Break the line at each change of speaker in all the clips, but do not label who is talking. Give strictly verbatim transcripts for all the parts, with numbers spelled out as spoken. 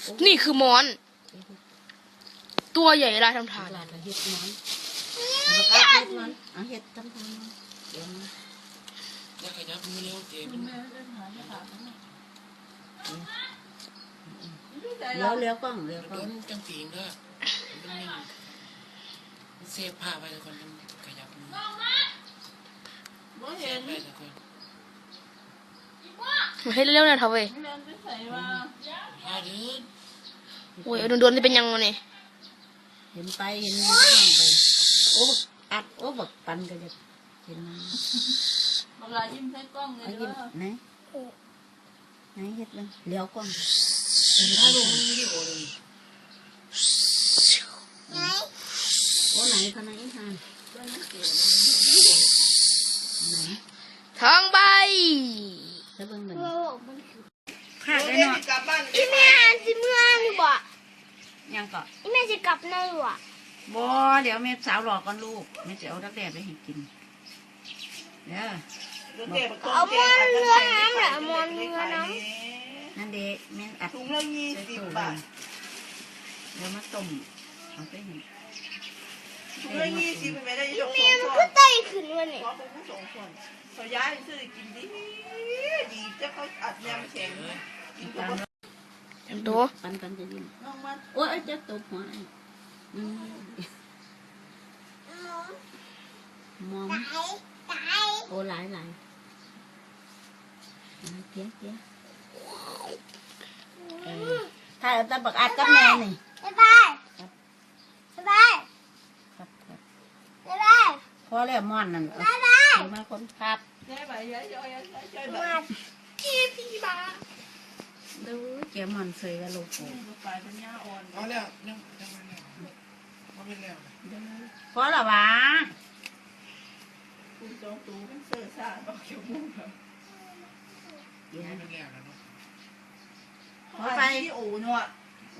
นี่คือมอนตัวใหญ่ลายทำทาน
ลายเห็ดมันเอาเห็ดมันเอาเห็ดทำทานเดี๋ยวมัน
จะขยับมือเร็วเจ็บ
เลี้ยวเลี้ยวกล้องเลี้ยวก
โด
ล้อง
นจังปีนก็มันนิ่งเซฟผ้าไปทุกคนขยับมือเซฟไปทุกคน
ให้เร็วๆหน่อยเถอะเว้ย
ผ้าเดิน
โอ้ยโดนๆจะเป็นยังไงนี่
เห็นไปเห็นนี่ก็ต้องไปโอ้อัดโอ้บักปันก็จะเห็นมัน
เวลายิ้มใส่กล้องเลย
เอา
เด้
ยิ้ม
อ
ไหนไหนเห็ดมันเลี้ยวกล้อง
ผ้าลงมือที่โอ้ย
โอ้ไหนเขาไหนทานไหน
ทองใบ
แล้วเบิ่งมัน
หักเลยเนาะอีแม่สิเมื่อนี่บ่
ยังก็
อีแม่สิกลับในบ่
บ่เดี๋ยวแม่สาวหลอกก่อนลูกแม่จะเอาดักแด้ไปให้กินเด้อ
เอามอนเรือน้ำหรือมอนเรือน้
นั่นเด็กแม่อัด
ถุงละยี่สิบบาท
เดี๋ยวมาต้มเอาไปให้
ถุงละยี่สิบไม่ได้ยก
ำ
ส
แม่
อง
มัน
ค
ก็
น
ไต่ขึ้นวะนี่
ขอเป็นผู้สองคนเขาย้ายซื้อกินดีดีจะเขาอัดยำแข็ง
ตาม
จำตัว
ปันกันจะยิ้ม
น้องมัน
โอ้ยจะตบหัวไอ้อืมมองโอ้หลายหลายเกี้ยเกี้ยถ้าเอาตะบักอัดกับแม่นี่
บ๊ายบายบ๊ายบาย
ครับครับ
บ๊ายบาย
พอแล้วม่อนนั่นเอาเอามาคนครับ
ย้ายไปย้ายย้ายย้ายย้ายไป
มาพี่พี่บ้า
ดูเจ้าม่อนเสยกับลูกโป่
ไปเป็นหญ้าอ่อน
เอาแล้วยังยังไม่แล้วเอาไม่แล้ว
พอแล้ววะ
คุณจองตูเป็นเสื้อซ่าบอกเขียวมุ้งครับ
ยังไม่แล้วนะเนาะ
พอไป
ที่อู่เนาะ
โอ้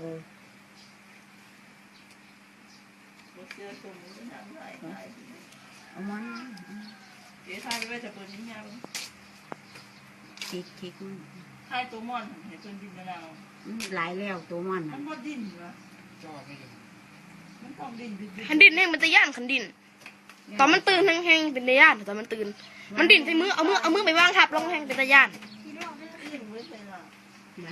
เสื้อตัวนี้เป็นหนังไหลไหล
เอามัน
เดี๋ยวทายไปว่าจะเปิดนิ้ยัง
คิกคิกมัน
ทายตัวม่อนเห็นเป็นดินมะนาว
อืมหลายแล้วตัวมัน
มั
น่ะ
นบ่ดิ้นวะ
จ่อไม่อยู่
มันต้องดิ้นดิ้นดิ้น
คันดินแห้งมันจะย่านคันดิน ตอนมันตื่นแห้งๆเป็นตะย่านตอนมันตื่น มันดินใส่มือเอามือเอามือไปวางทับลงแห้งเป็นตะย่าน
ดิ้นไว้ใส่ละ
ยัง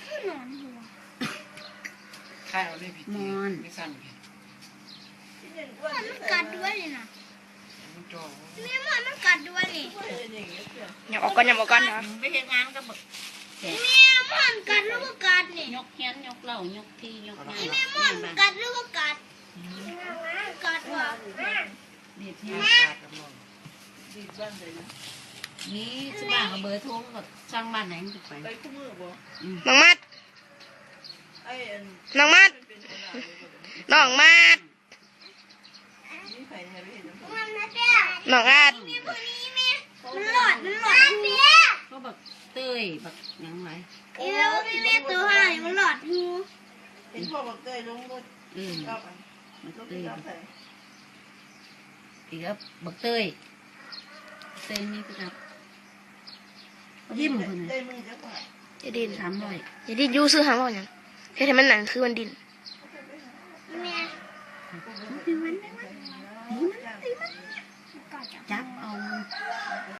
ใช่เอาเลยผิดไม่สั้นผิด
ที่เด่นอ้วน
มันกัดด้วยนี่นะ
มันจ่อ
แม่มันมันกัดด้วยนี่
เป็นอย่างเงี้ยเสื้อ
อย่าออกก่อนอย่าออกก่อนนะ
ไปเฮ็ดงานกับบักแกะ
แม่มันกัดหรือว่ากัดนี่
ยกเฮียนยกเหล่ายกที่ยกงาน
แม่มันกัดหรือว่ากัดกัดว่ะ
นี่
ที่
ที่
ขาดกับมอง
ดิ้นบ้านเลยนะ
นี่สิบ้านเอาเบอร์โทรกับช่างบ้านไหนมันจะไป
ไปคู่มือบ่
น้องมัด
ไอ้อัน
น้องมัด
เป็นขนาดเลยบ่
น้องมัด
นี่ใครเนี่ยไม่เห็นน้ำตา
น้องอาด
มันหลอดมันหลอด
ก็บักเต้ยบักหยังไง
เอวแม่ตัวห่างมันหลอดหู
เห็นพ่อบอกเตยลงรถ
เออ
ก็ไป
บัก
รถ
เต้ย
ก็ไป
อีกแล้วบักเต้ยเต้ยนี่คือครับยิ้มคน
เต
น่ะ
ยมือจะไป
อย่าดิน
สามร้อย
อย่าดินยูซื้อหางว่าอย่างแค่ทำมันหนังคือมันดิน
จับเอา